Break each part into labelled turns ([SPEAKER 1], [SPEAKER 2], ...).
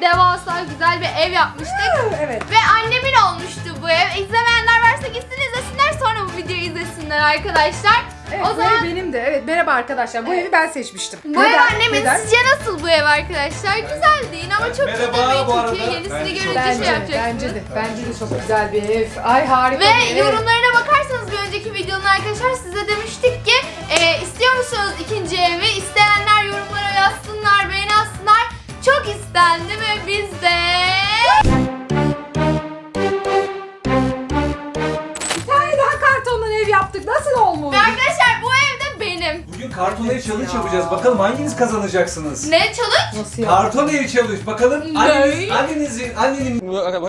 [SPEAKER 1] devasa güzel bir ev yapmıştık.
[SPEAKER 2] Evet.
[SPEAKER 1] Ve annemin olmuştu bu ev. İzlemeyenler varsa gitsin izlesinler, sonra bu videoyu izlesinler arkadaşlar.
[SPEAKER 2] Evet,
[SPEAKER 1] o zaman
[SPEAKER 2] bu ev benim de. Evet, merhaba arkadaşlar. Bu evi ben seçmiştim.
[SPEAKER 1] bu ev annemin.
[SPEAKER 2] Neden?
[SPEAKER 1] Sizce nasıl bu ev arkadaşlar? Güzel değil ama çok
[SPEAKER 3] Merhaba
[SPEAKER 1] demeyi
[SPEAKER 3] bu
[SPEAKER 1] çok
[SPEAKER 3] arada.
[SPEAKER 1] iyi. Yenisini
[SPEAKER 3] Bence
[SPEAKER 1] görünce
[SPEAKER 2] Bence,
[SPEAKER 1] şey yapacaksınız.
[SPEAKER 2] bence de çok güzel bir ev. Ay harika
[SPEAKER 1] Ve
[SPEAKER 2] bir ev.
[SPEAKER 1] yorumlarına bakarsanız bir önceki videonun arkadaşlar size demiştik ki istiyor musunuz ikinci evi? İsteyenler yorumlara yazsınlar, beğeni atsınlar. Çok istendi ve biz de...
[SPEAKER 2] Bir tane daha kartondan ev yaptık. Nasıl olmuş?
[SPEAKER 1] Ve arkadaşlar bu ev de benim.
[SPEAKER 3] Bugün karton ev challenge
[SPEAKER 2] ya.
[SPEAKER 3] yapacağız. Bakalım hanginiz kazanacaksınız?
[SPEAKER 1] Ne challenge?
[SPEAKER 2] Nasıl ya?
[SPEAKER 3] Karton ev challenge. Bakalım
[SPEAKER 1] Ne?
[SPEAKER 3] annenin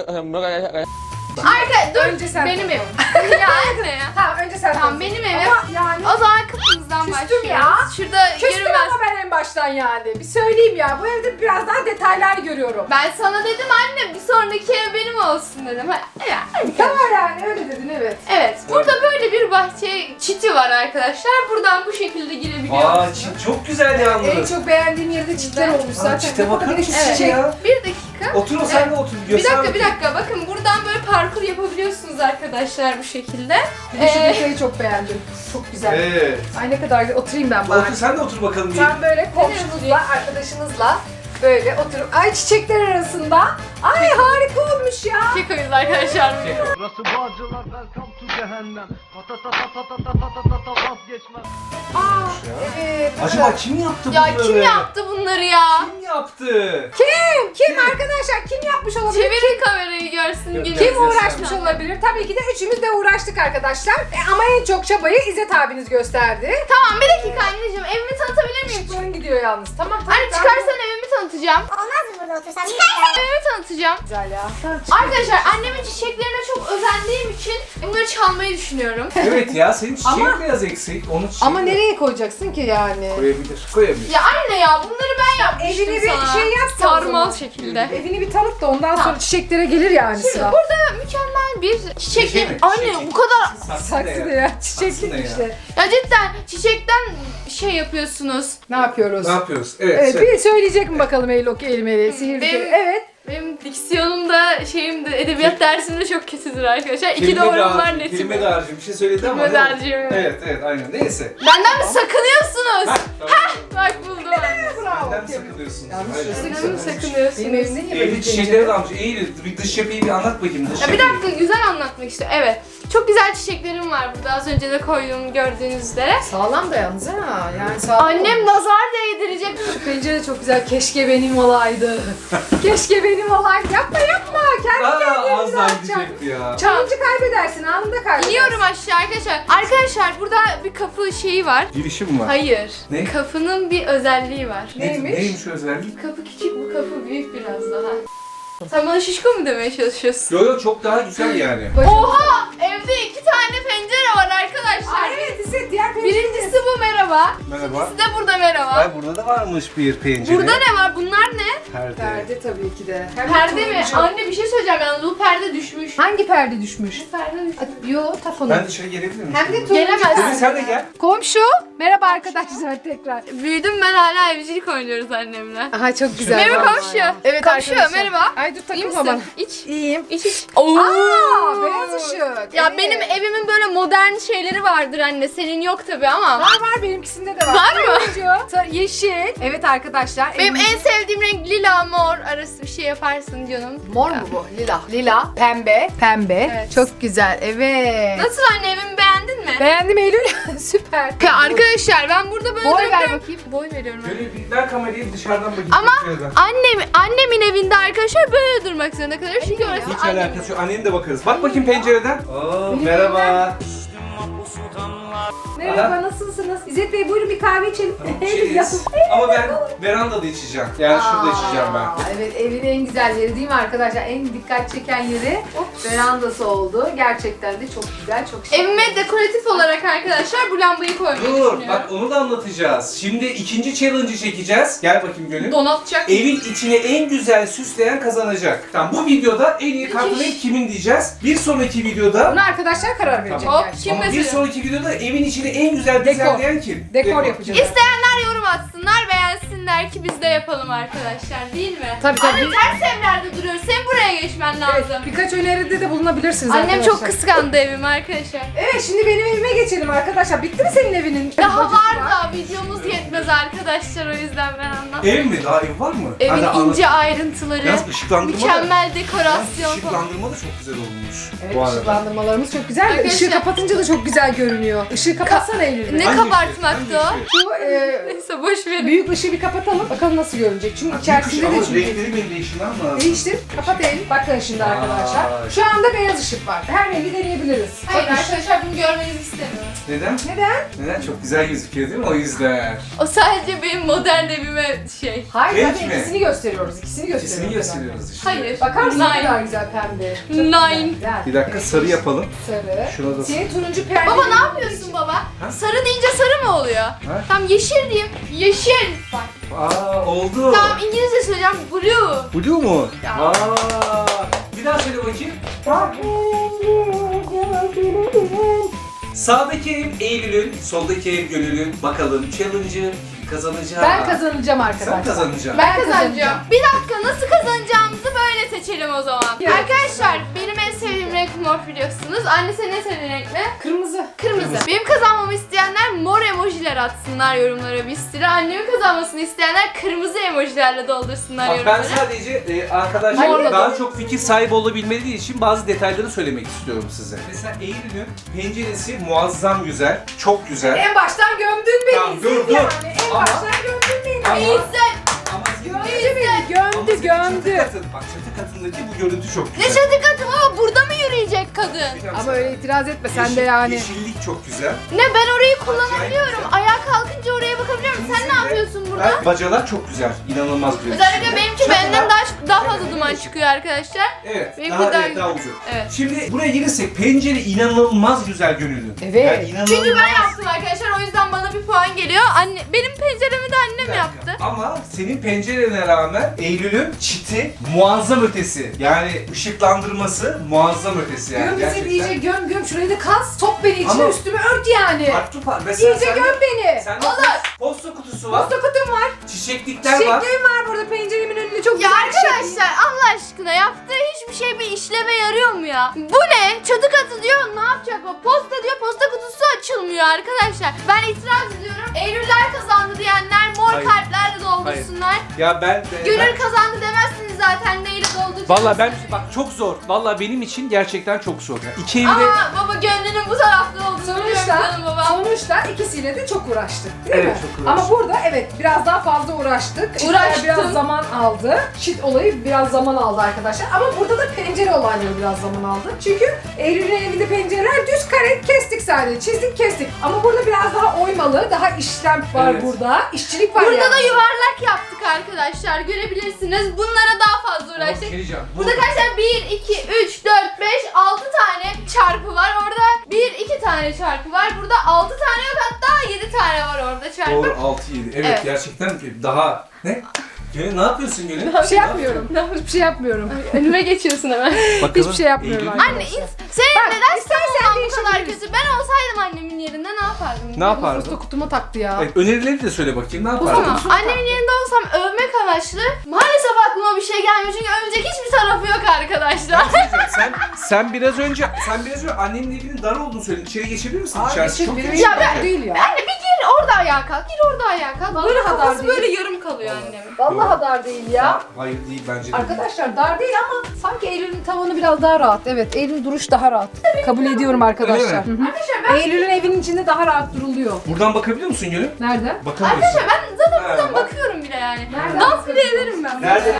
[SPEAKER 1] Dur,
[SPEAKER 2] Önce sen.
[SPEAKER 1] benim evim. Ya anne ya.
[SPEAKER 2] Tamam önce sen.
[SPEAKER 1] Tamam,
[SPEAKER 2] konuş.
[SPEAKER 1] benim evim.
[SPEAKER 2] Ama yani
[SPEAKER 1] O zaman kapımızdan
[SPEAKER 2] Küstüm
[SPEAKER 1] başlıyoruz.
[SPEAKER 2] ya.
[SPEAKER 1] Şurada
[SPEAKER 2] küstüm
[SPEAKER 1] görünmez.
[SPEAKER 2] ama ben en baştan yani. Bir söyleyeyim ya. Bu evde biraz daha detaylar görüyorum.
[SPEAKER 1] Ben sana dedim anne bir sonraki ev benim olsun dedim.
[SPEAKER 2] Tamam yani öyle dedin evet.
[SPEAKER 1] Evet, burada böyle bir bahçe çiti var arkadaşlar. Buradan bu şekilde girebiliyorsunuz.
[SPEAKER 3] çok güzel
[SPEAKER 2] En
[SPEAKER 3] yalnız.
[SPEAKER 2] çok beğendiğim yerde çitler olmuş zaten.
[SPEAKER 3] Çite bakar mısın
[SPEAKER 1] Evet.
[SPEAKER 3] ya?
[SPEAKER 1] Bir dakika.
[SPEAKER 3] Otur o sen de otur.
[SPEAKER 1] Bir dakika. Bakın buradan böyle parkur yapabiliyorsunuz arkadaşlar bu şekilde.
[SPEAKER 2] Bir de şu detayı çok beğendim. Çok güzel.
[SPEAKER 3] Evet.
[SPEAKER 2] Ay ne kadar güzel. Oturayım ben bari.
[SPEAKER 3] Otur sen de otur bakalım.
[SPEAKER 2] Sen böyle komşunuzla, arkadaşınızla böyle oturup ay çiçekler arasında. Ay harika olmuş ya.
[SPEAKER 1] Çiçek oyunuz arkadaşlar.
[SPEAKER 4] Burası Bağcılar, welcome to cehennem. Ta ta ta ta ta ta ta ta ta ta vazgeçmem.
[SPEAKER 2] Aa, evet.
[SPEAKER 3] Acaba kim yaptı
[SPEAKER 1] Ya
[SPEAKER 3] bunları?
[SPEAKER 1] kim yaptı bunları ya?
[SPEAKER 3] Kim yaptı?
[SPEAKER 2] Kim arkadaşlar? Kim yapmış olabilir?
[SPEAKER 1] Çevirin kamerayı görsün
[SPEAKER 3] Kim
[SPEAKER 1] günü.
[SPEAKER 2] Kim uğraşmış olabilir? Tabii ki de üçümüz de uğraştık arkadaşlar. Ama en çok çabayı İzzet abiniz gösterdi.
[SPEAKER 1] Tamam bir dakika anneciğim, evimi tanıtabilir miyim?
[SPEAKER 2] Şıkların gidiyor yalnız. Tamam.
[SPEAKER 1] Anne çıkarsan evimi tanıtacağım.
[SPEAKER 5] Olmaz mı burada otursan?
[SPEAKER 1] Evimi tanıtacağım.
[SPEAKER 2] Güzel ya.
[SPEAKER 1] Arkadaşlar annemin çiçeklerine çok özendiğim için bunları çalmayı düşünüyorum.
[SPEAKER 3] Evet ya senin çiçeğin
[SPEAKER 2] Ama-
[SPEAKER 3] biraz eksik. Onu çiçeği
[SPEAKER 2] Ama nereye koyacaksın ki yani?
[SPEAKER 3] Koyabilir.
[SPEAKER 1] Ya anne ya bunları ben yapmıştım
[SPEAKER 2] Evini bir
[SPEAKER 1] sana.
[SPEAKER 2] şey yap da o
[SPEAKER 1] Sarmal
[SPEAKER 2] zaman.
[SPEAKER 1] şekilde.
[SPEAKER 2] Evini bir tanıt da ondan
[SPEAKER 1] Tamam.
[SPEAKER 2] sonra çiçeklere gelir yani
[SPEAKER 1] Şimdi
[SPEAKER 2] sıra.
[SPEAKER 1] burada mükemmel bir çiçek.
[SPEAKER 3] Çiçek mi?
[SPEAKER 1] Anne
[SPEAKER 3] Çiçek.
[SPEAKER 1] bu kadar.
[SPEAKER 2] Saksı da ya. Çiçeklik
[SPEAKER 3] Saksı ne ya?
[SPEAKER 2] işte.
[SPEAKER 1] Ya cidden çiçekten şey yapıyorsunuz.
[SPEAKER 2] Ne yapıyoruz?
[SPEAKER 3] Ne yapıyoruz? Evet.
[SPEAKER 2] Evet,
[SPEAKER 3] söyle.
[SPEAKER 2] bir söyleyecek mi bakalım Eylok Elimeli? Sihirli.
[SPEAKER 1] Benim-
[SPEAKER 2] Evet.
[SPEAKER 1] Benim diksiyonumda edebiyat dersimde çok kötüdür arkadaşlar. İki
[SPEAKER 3] Kelime
[SPEAKER 1] doğrum
[SPEAKER 3] dağarcığı,
[SPEAKER 1] var netim.
[SPEAKER 3] kelime dağarcığı bir şey söyledi ama.
[SPEAKER 1] Kelime
[SPEAKER 3] değil mi?
[SPEAKER 1] dağarcığı.
[SPEAKER 3] Evet aynen. Neyse.
[SPEAKER 1] Benden mi sakınıyorsunuz?
[SPEAKER 3] Tamam.
[SPEAKER 1] Bak buldum anne.
[SPEAKER 2] Bravo.
[SPEAKER 3] Benden mi sakınıyorsunuz?
[SPEAKER 2] Yanlış
[SPEAKER 3] Hayır.
[SPEAKER 2] yazık.
[SPEAKER 1] Benden mi sakınıyorsunuz?
[SPEAKER 2] Benim evimde niye böyle
[SPEAKER 3] Evli
[SPEAKER 2] bir
[SPEAKER 3] çiçekleri de almış. Eğil bir dış yapıyı bir anlat bakayım. Dış
[SPEAKER 1] Ya bir
[SPEAKER 3] yapıyı.
[SPEAKER 1] dakika güzel anlatmak istiyorum. Evet. Çok güzel çiçeklerim var burada. Az önce de koyduğum gördüğünüz üzere.
[SPEAKER 2] Sağlam da yalnız ha. Yani sağlam.
[SPEAKER 1] Annem nazar değdirecek.
[SPEAKER 2] Şu pencere çok güzel. Keşke benim olaydı. Keşke benim olaydı. Yapma. Kendi kendine
[SPEAKER 3] Az daha
[SPEAKER 2] atacak.
[SPEAKER 3] gidecekti ya.
[SPEAKER 2] Challenge kaybedersin. Anında kaybedersin.
[SPEAKER 1] İniyorum aşağı arkadaşlar. Arkadaşlar burada bir kapı şeyi var.
[SPEAKER 3] Girişim mi var?
[SPEAKER 1] Hayır.
[SPEAKER 3] Ne?
[SPEAKER 1] Kapının bir özelliği var.
[SPEAKER 2] Neymiş?
[SPEAKER 3] Neymiş o özellik?
[SPEAKER 1] Kapı küçük, bu kapı büyük biraz daha. Sen bana şişko mu demeye çalışıyorsun?
[SPEAKER 3] Yo çok daha güzel yani.
[SPEAKER 1] Oha! Evde 2 tane pencere var arkadaşlar.
[SPEAKER 2] Ay evet İzzet diğer pencere.
[SPEAKER 1] Birincisi bu merhaba.
[SPEAKER 3] Merhaba.
[SPEAKER 1] İkincisi de burada merhaba.
[SPEAKER 3] Ay burada da varmış bir pencere.
[SPEAKER 1] Burada ne var? Bunlar ne?
[SPEAKER 3] Perde.
[SPEAKER 2] Perde tabii ki de. Hem de
[SPEAKER 1] Perde mi?
[SPEAKER 2] turuncu.
[SPEAKER 1] Anne bir şey söyleyeceğim yalnız bu perde düşmüş.
[SPEAKER 2] Hangi perde düşmüş?
[SPEAKER 1] Bu perde düşmüş.
[SPEAKER 2] Yo tak onu.
[SPEAKER 3] Ben dışarı gelebilir miyim?
[SPEAKER 2] Hem de turuncu.
[SPEAKER 1] Gelemezsin.
[SPEAKER 3] Tabii sen de gel.
[SPEAKER 2] Komşu. Merhaba arkadaşlar tekrar.
[SPEAKER 1] Büyüdüm ben hala evcilik oynuyoruz annemle.
[SPEAKER 2] Aha çok güzel.
[SPEAKER 1] Merhaba
[SPEAKER 2] vallahi
[SPEAKER 1] komşu.
[SPEAKER 2] ya. Evet
[SPEAKER 1] Komşu,
[SPEAKER 2] arkadaşlar.
[SPEAKER 1] merhaba.
[SPEAKER 2] Ay dur
[SPEAKER 1] İyi
[SPEAKER 2] takılma bana.
[SPEAKER 1] misin? İç.
[SPEAKER 2] İyiyim.
[SPEAKER 1] İç iç. Oo.
[SPEAKER 2] Aa beyaz ışık.
[SPEAKER 1] Ya
[SPEAKER 2] Evet.
[SPEAKER 1] benim evimin böyle modern şeyleri vardır anne. Senin yok tabi ama.
[SPEAKER 2] Var benimkisinde de var.
[SPEAKER 1] Var mı?
[SPEAKER 2] Turuncu, yeşil. Evet arkadaşlar.
[SPEAKER 1] Benim
[SPEAKER 2] evimiz-
[SPEAKER 1] en sevdiğim renk lila mor arası bir şey yaparsın canım.
[SPEAKER 2] Mor mu bu? Lila. Lila. Pembe. Pembe.
[SPEAKER 1] Evet.
[SPEAKER 2] Çok güzel. Evet.
[SPEAKER 1] Nasıl anne evimi beğendin mi?
[SPEAKER 2] Beğendim Eylül. Süper.
[SPEAKER 1] Ya arkadaşlar ben burada böyle
[SPEAKER 2] Boy ver
[SPEAKER 1] duruyorum.
[SPEAKER 2] bakayım.
[SPEAKER 1] Boy veriyorum. ben.
[SPEAKER 3] Şöyle bir ver kamerayı dışarıdan bakayım.
[SPEAKER 1] Ama
[SPEAKER 3] Şuradan.
[SPEAKER 1] annemin evinde arkadaşlar böyle durmak zorunda kalıyor. Çünkü orası
[SPEAKER 3] Hiç
[SPEAKER 1] annemin
[SPEAKER 3] alakası yok. Annene de bakarız. Bak bakayım pencereden. Oo, merhaba.
[SPEAKER 2] Merhaba nasılsınız? İzzet Bey buyurun bir kahve içelim.
[SPEAKER 3] İçeriz. Ama ben verandada içeceğim. Yani şurada içeceğim ben.
[SPEAKER 2] Evet evin en güzel yeri değil mi arkadaşlar? En dikkat çeken yeri verandası oldu. Gerçekten de çok güzel, çok şık.
[SPEAKER 1] Evime dekoratif olarak arkadaşlar bu lambayı koymayı
[SPEAKER 3] Dur
[SPEAKER 1] düşünüyorum.
[SPEAKER 3] bak onu da anlatacağız. Şimdi ikinci challenge'ı çekeceğiz. Gel bakayım Gönül.
[SPEAKER 1] Donatacak.
[SPEAKER 3] Evin içine en güzel süsleyen kazanacak. Tamam bu videoda en iyi karton ev kimin diyeceğiz. Bir sonraki videoda
[SPEAKER 2] Buna arkadaşlar karar verecek.
[SPEAKER 1] Hop,
[SPEAKER 2] gerçi.
[SPEAKER 1] kim
[SPEAKER 3] ama bir
[SPEAKER 1] mesela?
[SPEAKER 3] sonraki videoda evin içini en güzel düzenleyen kim?
[SPEAKER 2] Dekor yapacağız.
[SPEAKER 1] İsteyenler yorum atsınlar, beğensinler. desinler ki biz de yapalım arkadaşlar, değil mi?
[SPEAKER 2] Tabii.
[SPEAKER 1] Anne ters evlerde duruyoruz. Senin buraya geçmen lazım.
[SPEAKER 2] Evet, birkaç öneride de bulunabilirsiniz
[SPEAKER 1] Annem
[SPEAKER 2] arkadaşlar.
[SPEAKER 1] çok kıskandı evimi arkadaşlar.
[SPEAKER 2] Evet, şimdi benim evime geçelim arkadaşlar. Bitti mi senin evinin?
[SPEAKER 1] Daha
[SPEAKER 2] Bacısı
[SPEAKER 1] var da videomuz yetmez arkadaşlar, o yüzden ben anlatmam.
[SPEAKER 3] Ev mi? Daha ev var mı?
[SPEAKER 1] Evin
[SPEAKER 3] Hadi anlat.
[SPEAKER 1] ince ayrıntıları,
[SPEAKER 3] Yalnız ışıklandırma da-
[SPEAKER 1] mükemmel
[SPEAKER 3] Yalnız
[SPEAKER 1] dekorasyon falan.
[SPEAKER 3] ışıklandırma da çok güzel olmuş.
[SPEAKER 2] Evet,
[SPEAKER 3] bu arada.
[SPEAKER 2] ışıklandırmalarımız çok güzel.
[SPEAKER 1] Arkadaşlar-
[SPEAKER 2] Işığı kapatınca da çok güzel görünüyor. Işığı kapatsana Eylül.
[SPEAKER 1] Ne
[SPEAKER 3] Hangi
[SPEAKER 1] kabartmaktı
[SPEAKER 3] ışık? Hangi
[SPEAKER 1] o?
[SPEAKER 2] Şu
[SPEAKER 1] Neyse boş verin.
[SPEAKER 2] büyük ışığı bir kapatalım. Bakalım nasıl görünecek. Çünkü içerisinde
[SPEAKER 3] Ama
[SPEAKER 2] de çünkü.
[SPEAKER 3] renkleri benim değiştirmem lazım.
[SPEAKER 2] Değiştir. Kapat Eylül. Bakın şimdi
[SPEAKER 3] Vay.
[SPEAKER 2] arkadaşlar. Şu anda beyaz ışık var. Her rengi deneyebiliriz.
[SPEAKER 1] Hayır
[SPEAKER 2] Bakın.
[SPEAKER 1] arkadaşlar, bunu görmenizi istemiyorum.
[SPEAKER 3] Neden?
[SPEAKER 2] Neden?
[SPEAKER 3] Neden? Çok güzel gözüküyor değil mi? O yüzden.
[SPEAKER 1] O sadece benim modern evime şey.
[SPEAKER 2] Hayır,
[SPEAKER 3] Renk
[SPEAKER 2] zaten
[SPEAKER 3] mi?
[SPEAKER 2] ikisini gösteriyoruz. İkisini gösteriyoruz.
[SPEAKER 3] İkisini gösteriyoruz işte.
[SPEAKER 1] Hayır.
[SPEAKER 2] Bakar mısın ne
[SPEAKER 1] Nine.
[SPEAKER 2] kadar güzel pembe. Çok
[SPEAKER 1] Nine.
[SPEAKER 2] güzel.
[SPEAKER 3] Bir dakika sarı yapalım.
[SPEAKER 2] Sarı.
[SPEAKER 3] Şuna da
[SPEAKER 2] Senin turuncu perde.
[SPEAKER 1] Baba ne yapıyorsun baba?
[SPEAKER 3] Ha?
[SPEAKER 1] Sarı deyince sarı mı oluyor? Tam yeşil diyeyim. Yeşil. Bak.
[SPEAKER 3] Aa oldu.
[SPEAKER 1] Tamam, İngilizce söyleyeceğim. Blue.
[SPEAKER 3] Blue mu?
[SPEAKER 1] Ya.
[SPEAKER 3] Aa. Bir daha söyle bakayım. Sağdaki ev Eylül'ün, soldaki ev Gönül'ün. Bakalım challenge'ı kazanacak.
[SPEAKER 2] Ben kazanacağım arkadaşlar.
[SPEAKER 3] Sen kazanacaksın.
[SPEAKER 1] Ben kazanacağım. Bir dakika, nasıl kazanacağımızı böyle seçelim o zaman.
[SPEAKER 2] Evet.
[SPEAKER 1] Arkadaşlar benim en sevdiğim renk mor biliyorsunuz. Anne senin en sevdiğin renk ne?
[SPEAKER 2] Kırmızı.
[SPEAKER 1] Kırmızı. Benim kazanmamı isteyenler mor emojiler atsınlar yorumlara bir sürü. Annemin kazanmasını isteyenler kırmızı emojilerle doldursunlar
[SPEAKER 3] Bak ben
[SPEAKER 1] yorumlara.
[SPEAKER 3] sadece arkadaşlar
[SPEAKER 1] Hayır.
[SPEAKER 3] daha çok fikir sahibi olabilmeleri için bazı detayları söylemek istiyorum size. Mesela Eylül'ün penceresi muazzam güzel, çok güzel.
[SPEAKER 2] En baştan gömdün beni.
[SPEAKER 3] Tamam, dur, dur.
[SPEAKER 2] Yani. En
[SPEAKER 3] Ama-
[SPEAKER 2] baştan gömdün beni.
[SPEAKER 3] Ama-
[SPEAKER 1] İzzet.
[SPEAKER 3] Ama senin-
[SPEAKER 2] Gömdü beni. Gömdü,
[SPEAKER 3] Ama senin çatı
[SPEAKER 2] gömdü.
[SPEAKER 3] katın, bak çatı katındaki bu görüntü çok
[SPEAKER 1] Ne
[SPEAKER 3] güzel.
[SPEAKER 1] çatı katı baba, burada mı yürüyecek kadın?
[SPEAKER 2] Ama öyle itiraz etme sen de yani.
[SPEAKER 3] Yeşillik çok güzel.
[SPEAKER 1] Ne, ben orayı kullanabiliyorum.
[SPEAKER 3] güzel.
[SPEAKER 1] Ayağa kalkınca oraya bakabiliyorum. Sen ne yapıyorsun burada?
[SPEAKER 3] Ben, bacalar çok güzel, inanılmaz güzel.
[SPEAKER 1] Özellikle benimki
[SPEAKER 3] Çatılar-
[SPEAKER 1] benden daha fazla duman çıkıyor arkadaşlar.
[SPEAKER 3] Evet,
[SPEAKER 1] Benimki
[SPEAKER 3] daha,
[SPEAKER 1] daha
[SPEAKER 3] evet, daha uzun.
[SPEAKER 1] Evet.
[SPEAKER 3] Şimdi buraya gelirsek pencere inanılmaz güzel Gönül'ün.
[SPEAKER 2] Evet.
[SPEAKER 3] Yani inanılmaz.
[SPEAKER 1] Çünkü ben yaptım arkadaşlar, o yüzden bana bir puan geliyor. Anne, benim penceremi de
[SPEAKER 3] Bir
[SPEAKER 1] annem
[SPEAKER 3] dakika.
[SPEAKER 1] yaptı.
[SPEAKER 3] Ama senin pencerene rağmen Eylül'ün çiti muazzam ötesi. Yani ışıklandırması muazzam ötesi yani.
[SPEAKER 2] Göm bizi
[SPEAKER 3] gerçekten.
[SPEAKER 2] iyice göm göm şurayı da kaz. Sok beni içine
[SPEAKER 3] Ama-
[SPEAKER 2] üstüme ört yani.
[SPEAKER 3] Farklı farklı. Mesela
[SPEAKER 2] İyice
[SPEAKER 3] sende-
[SPEAKER 2] göm beni.
[SPEAKER 3] Sende
[SPEAKER 1] Olur.
[SPEAKER 3] posta kutusu var,
[SPEAKER 2] Posta kutum var.
[SPEAKER 3] çiçeklikler var.
[SPEAKER 2] Çiçeklerim var burada penceremin önünde çok
[SPEAKER 1] Ya
[SPEAKER 2] güzel bir şey.
[SPEAKER 1] arkadaşlar Allah aşkına, yaptığı hiçbir şey bir işleve yarıyor mu ya? Bu ne? Çatı katı diyor, ne yapacak o? Posta diyor, posta kutusu açılmıyor arkadaşlar. Ben itiraz ediyorum. Eylüller kazandı diyenler mor
[SPEAKER 3] Hayır.
[SPEAKER 1] kalplerle doldursunlar.
[SPEAKER 3] Ya ben
[SPEAKER 1] Gönül kazandı demezsiniz zaten, neyle dolduracak?
[SPEAKER 3] Valla ben bak çok zor. Valla benim için gerçekten çok zor. İki evde
[SPEAKER 1] Ama baba gönlünün bu tarafta olduğunu biliyorum
[SPEAKER 2] Sonuçta,
[SPEAKER 1] canım baba.
[SPEAKER 2] sonuçta ikisiyle de çok uğraştık değil
[SPEAKER 3] Evet,
[SPEAKER 2] mi?
[SPEAKER 3] çok uğraştık.
[SPEAKER 2] Ama burada evet biraz daha fazla uğraştık. Çitler
[SPEAKER 1] Uğraştım.
[SPEAKER 2] biraz zaman aldı. Çit olayı biraz zaman aldı arkadaşlar. Ama burada da pencere olayları biraz zaman aldı. Çünkü Eylül'ün evinde pencereler düz kare kestik sadece. Çizdik kestik. Ama burada biraz daha oymalı, daha işlem var
[SPEAKER 3] Evet.
[SPEAKER 2] burada. İşçilik var
[SPEAKER 1] Burada
[SPEAKER 2] yani.
[SPEAKER 1] da yuvarlak yaptık arkadaşlar, görebilirsiniz. Bunlara daha fazla
[SPEAKER 3] Ama bir şey
[SPEAKER 1] uğraştık.
[SPEAKER 3] diyeceğim.
[SPEAKER 1] Burada arkadaşlar 1, 2, 3, 4, 5, 6 tane çarpı var. Orada 1, 2 tane çarpı var. Burada 6 tane yok, hatta 7 tane var orada çarpı.
[SPEAKER 3] Doğru 6-7. Evet,
[SPEAKER 1] Evet.
[SPEAKER 3] gerçekten daha ne? Gönül ne yapıyorsun Gönül?
[SPEAKER 2] Bir şey yapmıyorum. Hiçbir şey yapmıyorum.
[SPEAKER 1] Önüme geçiyorsun hemen.
[SPEAKER 2] Hiçbir şey yapmıyorum
[SPEAKER 3] Eylül-
[SPEAKER 2] arkadaşlar.
[SPEAKER 1] Anne senin
[SPEAKER 2] Bak,
[SPEAKER 1] neden
[SPEAKER 2] istersen
[SPEAKER 1] savunman bu kadar
[SPEAKER 2] değişebiliriz.
[SPEAKER 1] kötü? Ben olsaydım annemin yerinde ne yapardım?
[SPEAKER 3] Ne yapardın?
[SPEAKER 2] Posta kutuma taktı ya.
[SPEAKER 3] Evet, önerileri de söyle bakayım. Ne yapardın?
[SPEAKER 1] Tamam. Annemin yerinde olsam övmek amaçlı. Maalesef aklıma bir şey gelmiyor çünkü övecek hiçbir tarafı yok arkadaşlar.
[SPEAKER 3] sen biraz önce annenin evinin dar olduğunu söyledin. İçeri geçebilir misin?
[SPEAKER 2] Aa,
[SPEAKER 3] İçerisi
[SPEAKER 2] geçin,
[SPEAKER 3] çok
[SPEAKER 2] benim
[SPEAKER 3] geniş.
[SPEAKER 2] evim
[SPEAKER 1] Ya ben-
[SPEAKER 2] dar değil ya.
[SPEAKER 1] Anne bir gir orada ayağa kalk, gir orada ayağa kalk.
[SPEAKER 2] Vallahi
[SPEAKER 1] Böyle
[SPEAKER 2] dar
[SPEAKER 1] kafası
[SPEAKER 2] değil.
[SPEAKER 1] böyle yarım kalıyor annemin.
[SPEAKER 2] Vallahi dar değil ya.
[SPEAKER 3] Hayır değil bence de.
[SPEAKER 2] Arkadaşlar dar değil ama sanki Eylül'ün tavanı biraz daha rahat. Evet, Eylül'ün duruş daha rahat. Kabul ediyorum arkadaşlar.
[SPEAKER 3] Öyle mi?
[SPEAKER 2] Hı hı.
[SPEAKER 1] Arkadaşlar ben,
[SPEAKER 2] Eylül'ün evinin içinde daha rahat duruluyor.
[SPEAKER 3] Buradan bakabiliyor musun Gönül?
[SPEAKER 2] Nerede?
[SPEAKER 3] Bakamıyorsun.
[SPEAKER 1] arkadaşlar ben zaten
[SPEAKER 3] Ha,
[SPEAKER 1] buradan
[SPEAKER 3] bak.
[SPEAKER 1] bakıyorum bile yani.
[SPEAKER 2] Nereden
[SPEAKER 1] Dans bile
[SPEAKER 2] bakıyorsun?
[SPEAKER 1] ederim ben.
[SPEAKER 3] Nerede?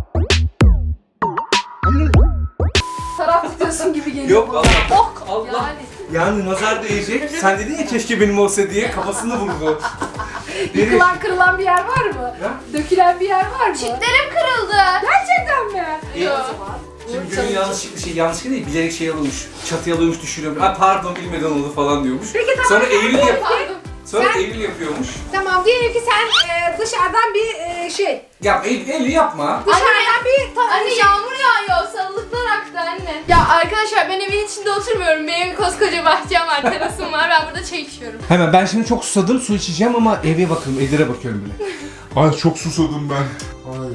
[SPEAKER 2] Taraf tutuyorsun gibi geliyor.
[SPEAKER 3] Yok
[SPEAKER 2] bana.
[SPEAKER 3] Allah.
[SPEAKER 1] Ok.
[SPEAKER 3] Allah.
[SPEAKER 1] Yani.
[SPEAKER 3] Yani nazar değecek. Sen dedin ya keşke benim olsa diye kafasını vurdu. Dedi.
[SPEAKER 2] Yıkılan kırılan bir yer var mı?
[SPEAKER 3] Ya?
[SPEAKER 2] Dökülen bir yer var mı?
[SPEAKER 1] Çitlerim kırıldı.
[SPEAKER 2] Gerçekten mi?
[SPEAKER 1] Yok.
[SPEAKER 3] Şimdi Gönül yanlışlıkla değil bilerek şey alıyormuş. Çatıya alıyormuş düşürüyormuş. Ha pardon bilmeden oldu falan diyormuş.
[SPEAKER 2] Peki tamam.
[SPEAKER 3] Sonra Eylül
[SPEAKER 1] Pardon.
[SPEAKER 3] Sonra
[SPEAKER 2] Sen-
[SPEAKER 3] Eylül yapıyormuş.
[SPEAKER 2] Tamam diyelim ki sen dışarıdan bir şey.
[SPEAKER 3] Ya Eylül yapma.
[SPEAKER 2] Dışarıdan bir
[SPEAKER 1] Anne yağmur yağıyor, sarılıklar aktı anne. Ya arkadaşlar ben evin içinde oturmuyorum. Benim koskoca bahçem var, terasım var. Ben burada çay içiyorum.
[SPEAKER 3] Hemen ben şimdi çok susadım su içeceğim ama eve bakıyorum, Edir'e bakıyorum bile.
[SPEAKER 5] Ay çok susadım ben. Ay.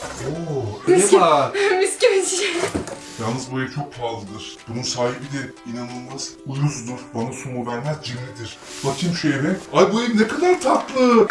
[SPEAKER 5] Oo.
[SPEAKER 3] Ne var?
[SPEAKER 1] Mis gibi çiçek.
[SPEAKER 5] Yalnız bu ev çok pahalıdır. Bunun sahibi de inanılmaz uyuzdur. Bana su mu vermez, cimridir. Bakayım şu eve. Ay bu ev ne kadar tatlı.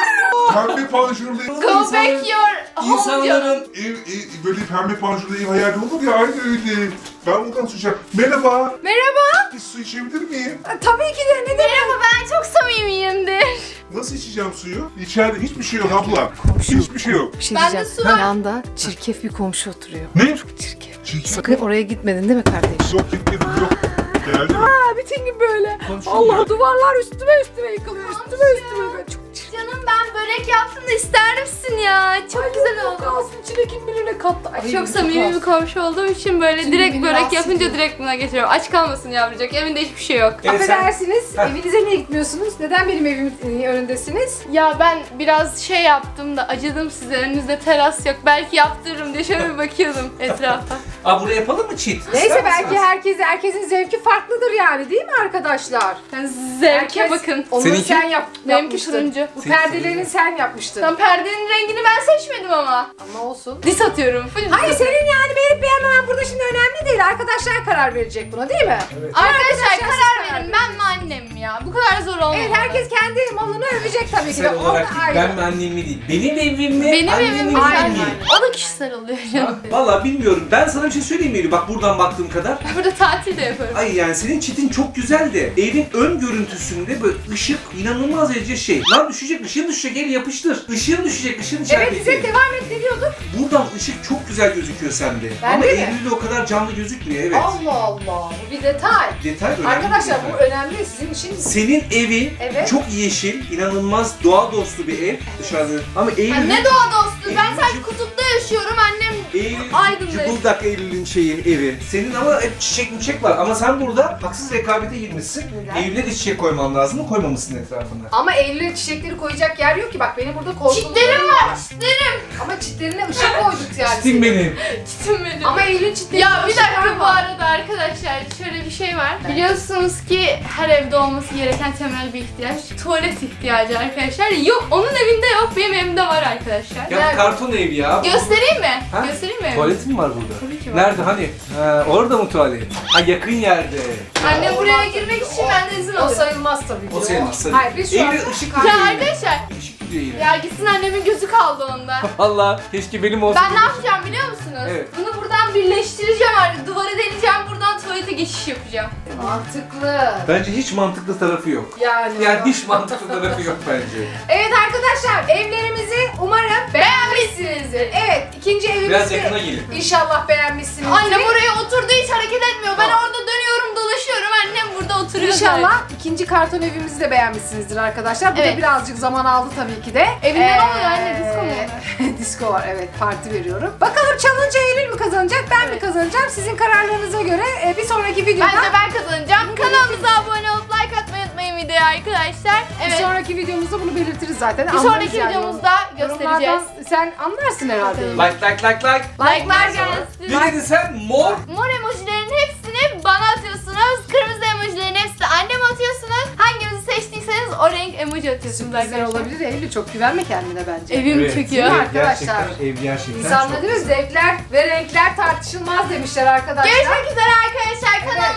[SPEAKER 5] Pembe panjurlu ev.
[SPEAKER 1] Go back your home
[SPEAKER 3] İnsanların
[SPEAKER 5] Böyle pembe panjurlu ev hayali olur ya, aynı öyle. Ben buradan su içeceğim. Merhaba.
[SPEAKER 1] Merhaba.
[SPEAKER 5] Bir su içebilir miyim?
[SPEAKER 2] Tabii ki de, ne demek?
[SPEAKER 1] Merhaba, ben çok samimiyimdir.
[SPEAKER 5] Nasıl içeceğim suyu? İçeride hiçbir şey yok abla. Hiçbir şey yok.
[SPEAKER 2] Bir şey
[SPEAKER 1] Ben de
[SPEAKER 2] diyeceğim.
[SPEAKER 1] su var.
[SPEAKER 2] Yanda çirkef bir komşu oturuyor.
[SPEAKER 5] Ne?
[SPEAKER 2] Çirkef.
[SPEAKER 5] Çirkin.
[SPEAKER 2] Sakın oraya gitmedin değil mi kardeşim?
[SPEAKER 5] Yok gitmedim yok. Geldi mi?
[SPEAKER 2] Aa, bütün gün böyle. Allah, duvarlar üstüme yıkılıyor. Üstüme. Çok çirkin.
[SPEAKER 1] Canım, ben börek yaptım da ister misin ya? Çok güzel oldu.
[SPEAKER 2] Kalsın, içine kim bilir ne kattı. Ay,
[SPEAKER 1] Çok samimi bir komşu olduğum için böyle
[SPEAKER 2] Şimdi
[SPEAKER 1] direkt
[SPEAKER 2] beni
[SPEAKER 1] börek
[SPEAKER 2] rahatsız
[SPEAKER 1] yapınca
[SPEAKER 2] ediyor.
[SPEAKER 1] direkt buna geçiyorum. Aç kalmasın yavrucak. Evinde hiçbir şey yok.
[SPEAKER 3] Evet, sen-
[SPEAKER 2] Affedersiniz,
[SPEAKER 3] Heh.
[SPEAKER 2] evinize niye gitmiyorsunuz? Neden benim evimin önündesiniz?
[SPEAKER 1] Ya ben biraz şey yaptım da acıdım size. Önünüzde teras yok. Belki yaptırırım diye şöyle bir bakıyordum etrafa.
[SPEAKER 3] Aa, buraya yapalım mı cheat?
[SPEAKER 2] Neyse,
[SPEAKER 3] İster
[SPEAKER 2] belki
[SPEAKER 3] misiniz?
[SPEAKER 2] herkesin zevki farklıdır yani, değil mi arkadaşlar?
[SPEAKER 1] Yani zevke
[SPEAKER 2] Herkes-
[SPEAKER 1] bakın.
[SPEAKER 2] Onları
[SPEAKER 3] Seninki?
[SPEAKER 2] sen
[SPEAKER 1] Benimki
[SPEAKER 2] yapmıştın.
[SPEAKER 1] turuncu.
[SPEAKER 2] Bu
[SPEAKER 3] Seninki
[SPEAKER 2] perdelerini
[SPEAKER 3] turuncu.
[SPEAKER 2] sen yapmıştın.
[SPEAKER 1] Tam perdenin rengini ben seçmedim ama.
[SPEAKER 2] Ama olsun.
[SPEAKER 1] Dis atıyorum. Full dis
[SPEAKER 2] Hayır,
[SPEAKER 1] atıyorum.
[SPEAKER 2] senin yani beğenip beğenmemen burada şimdi önemli değil. Arkadaşlar karar verecek buna, değil mi?
[SPEAKER 1] Arkadaşlar
[SPEAKER 2] Arkadaşlar,
[SPEAKER 1] karar
[SPEAKER 2] siz
[SPEAKER 1] verin. Ben mi annem mi ya? Bu kadar zor olmaz.
[SPEAKER 2] Evet, herkes kendi malını övecek tabii ki de.
[SPEAKER 3] Kişisel
[SPEAKER 2] O da
[SPEAKER 3] olarak değil,
[SPEAKER 2] ayrı.
[SPEAKER 3] ben mi annem mi değil. Benim evim mi?
[SPEAKER 1] Benim
[SPEAKER 3] annemin
[SPEAKER 1] evim
[SPEAKER 3] evi
[SPEAKER 1] güzel.
[SPEAKER 3] mi?
[SPEAKER 1] O da kişisel oluyor canım.
[SPEAKER 3] Valla bilmiyorum. Ben sana bir şey söyleyeyim mi? Bak buradan baktığım kadar.
[SPEAKER 1] Burada tatil de yaparım.
[SPEAKER 3] Ay yani senin çitin çok güzel de evin ön görüntüsünde böyle ışık inanılmaz derece şey. Lan düşecek, ışığın düşecek, el yapıştır. Işığın düşecek, ışığın içerideki.
[SPEAKER 2] Evet, bize devam et, ne diyorduk?
[SPEAKER 3] Buradan ışık çok güzel gözüküyor sende.
[SPEAKER 2] Bende
[SPEAKER 3] Ama
[SPEAKER 2] mi?
[SPEAKER 3] Eylül'de o kadar canlı gözükmüyor, evet.
[SPEAKER 2] Allah Allah, bu bir detay.
[SPEAKER 3] Detay önemli.
[SPEAKER 2] Arkadaşlar
[SPEAKER 3] bir
[SPEAKER 2] bu
[SPEAKER 3] detay.
[SPEAKER 2] önemli, sizin işiniz.
[SPEAKER 3] Senin evin
[SPEAKER 2] Evet.
[SPEAKER 3] çok yeşil, inanılmaz doğa dostu bir ev dışarıda. Ama
[SPEAKER 1] Ya
[SPEAKER 3] Eylül...
[SPEAKER 1] ne doğa dostu. Ben
[SPEAKER 3] Eylül'cüm-
[SPEAKER 1] sadece kutupta yaşıyorum. Annem
[SPEAKER 3] Eylül,
[SPEAKER 1] Aydın'da.
[SPEAKER 3] cıbıldak Eylül'ün şeyi, evi. Senin ama hep çiçek var. Ama sen burada haksız rekabete girmişsin.
[SPEAKER 2] Neden?
[SPEAKER 3] Eylül'e de çiçek koyman lazım. Koymamışsın etrafına.
[SPEAKER 2] Ama Eylül'e çiçekleri koyacak yer yok ki, bak benim burada korkuluklarım
[SPEAKER 1] çitlerim var. Çitlerim.
[SPEAKER 2] Ama çitlerine ışık koyduk yani.
[SPEAKER 3] Çitin benim.
[SPEAKER 1] Çitim benim.
[SPEAKER 2] Ama Eylül çitlerine
[SPEAKER 1] Ya bir
[SPEAKER 2] ışık
[SPEAKER 1] dakika,
[SPEAKER 2] koyma.
[SPEAKER 1] bu arada arkadaşlar şöyle bir şey var. Biliyorsunuz ki her evde olması gereken temel bir ihtiyaç. Tuvalet ihtiyacı arkadaşlar. Yok, onun evinde yok. Benim evimde var arkadaşlar.
[SPEAKER 3] Ya
[SPEAKER 1] Nerede?
[SPEAKER 3] karton ev ya.
[SPEAKER 1] Göstereyim mi?
[SPEAKER 3] Ha?
[SPEAKER 1] Göstereyim mi? evimi?
[SPEAKER 3] Tuvaletin mi var burada?
[SPEAKER 1] Tabii ki var.
[SPEAKER 3] Nerede hani? Ha, orada mı tuvalet? Ha, yakın yerde.
[SPEAKER 1] Annem buraya girmek için benden izin
[SPEAKER 2] O
[SPEAKER 1] alıyor.
[SPEAKER 2] sayılmaz tabii ki.
[SPEAKER 3] O sayılmaz tabii.
[SPEAKER 2] Hayır, biz şu an...
[SPEAKER 3] Eylül ışık
[SPEAKER 1] Ya
[SPEAKER 3] gidiyor.
[SPEAKER 1] arkadaşlar,
[SPEAKER 3] Işık gidiyor yine.
[SPEAKER 1] ya gitsin, annemin gözü kaldı onda.
[SPEAKER 3] Valla keşke benim olsa.
[SPEAKER 1] Ben ne yapacağım biliyor musunuz?
[SPEAKER 3] Evet.
[SPEAKER 1] Bunu buradan birleştireceğim artık. Duvara deleceğim, buradan tuvalete geçiş yapacağım.
[SPEAKER 2] Mantıklı.
[SPEAKER 3] Bence hiç mantıklı tarafı yok.
[SPEAKER 2] Yani.
[SPEAKER 3] Yani hiç mantıklı tarafı yok bence.
[SPEAKER 2] Evet arkadaşlar, evlerimizi umarım beğenmişsinizdir. Evet, ikinci evimizi
[SPEAKER 3] Biraz yakına gelin.
[SPEAKER 2] İnşallah beğenmişsinizdir.
[SPEAKER 1] Annem oraya oturdu, hiç hareket etmiyor. Ben orada dönüyorum, dolaşıyorum. Annem burada oturuyor.
[SPEAKER 2] İnşallah ikinci karton evimizi de beğenmişsinizdir arkadaşlar. Bu
[SPEAKER 1] Evet.
[SPEAKER 2] da birazcık zaman aldı tabii ki de.
[SPEAKER 1] Evinde ne oluyor anne? Disko mu oluyor?
[SPEAKER 2] Disko var, evet, parti veriyorum. Bakalım challenge Eylül mü kazanacak, ben mi
[SPEAKER 1] Evet.
[SPEAKER 2] kazanacağım? Sizin kararlarınıza göre bir sonraki videoda...
[SPEAKER 1] Bence ben kazanacağım. Kanalımıza abone olup like atmayı unutmayın videoya arkadaşlar.
[SPEAKER 2] Bir
[SPEAKER 1] Evet.
[SPEAKER 2] sonraki videomuzda bunu belirtiriz zaten.
[SPEAKER 1] Bir
[SPEAKER 2] Anlarız
[SPEAKER 1] sonraki
[SPEAKER 2] yani.
[SPEAKER 1] videomuzda göstereceğiz.
[SPEAKER 2] Yorumlardan sen anlarsın herhalde.
[SPEAKER 3] Like like like like.
[SPEAKER 1] Like'lar gelsin.
[SPEAKER 3] Ne dedin sen? Mor.
[SPEAKER 1] Mor emojilerin hepsini bana atıyorsunuz. Kırmızı emojilerin hepsini anneme atıyorsunuz. Hangimizi seçtiyseniz o renk emoji atıyorsunuz
[SPEAKER 2] Sürprizler
[SPEAKER 1] arkadaşlar.
[SPEAKER 2] olabilir. Eylül, çok güvenme kendine bence.
[SPEAKER 1] Evim çekiyor.
[SPEAKER 2] Evet. Arkadaşlar.
[SPEAKER 3] Gerçekten ev gerçekten
[SPEAKER 2] İnsanlar
[SPEAKER 3] çok
[SPEAKER 2] değil mi?
[SPEAKER 3] güzel.
[SPEAKER 2] Zevkler ve renkler tartışılmaz demişler arkadaşlar.
[SPEAKER 1] Görüşmek üzere arkadaşlar. Kanalımıza